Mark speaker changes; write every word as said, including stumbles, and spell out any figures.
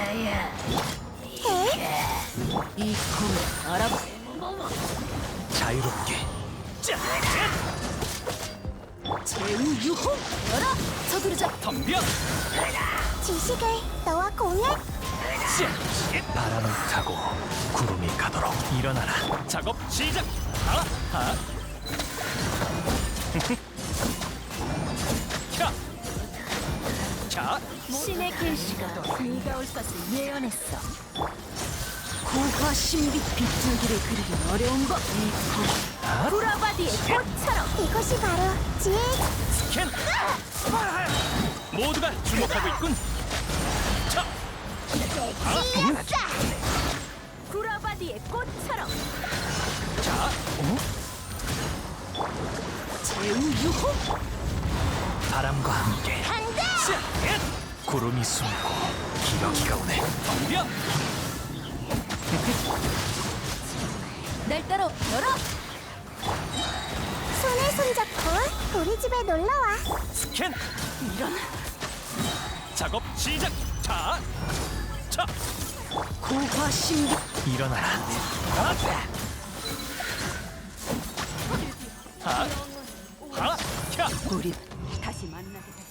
Speaker 1: 이 검을 알아봐.
Speaker 2: 자유롭게.
Speaker 1: 제우유호 열어. 서두르자.
Speaker 2: 덤벼.
Speaker 3: 지식을 너와 공유할.
Speaker 2: 바람을 타고 구름이 가도록 일어나라. 작업 시작. 하, 하. 자, 자,
Speaker 1: 신의 계시가 네가 올 것을 예언했어. 고화 신비 빗줄기를 그리기 어려운 법. 이 검. 구라바디의 꽃처럼.
Speaker 3: 이것이 바로 지혜의
Speaker 2: 스캔. 모두가 주목하고 있군. 자,
Speaker 1: 구라바디의 꽃처럼.
Speaker 2: 자, 어?
Speaker 1: 제우유호.
Speaker 2: 바람과 함께
Speaker 3: 간다.
Speaker 2: 구름이 숨고 기러기가 오네. 덤벼.
Speaker 1: 날 따라 열어.
Speaker 3: 손에 손잡고 우리 집에 놀러와.
Speaker 2: 스캔.
Speaker 1: 이런
Speaker 2: 작업 시작. 자, 자,
Speaker 1: 고화 신비.
Speaker 2: 일어나라. 하, 하, 하, 캬.
Speaker 1: 우리 다시 만나게 될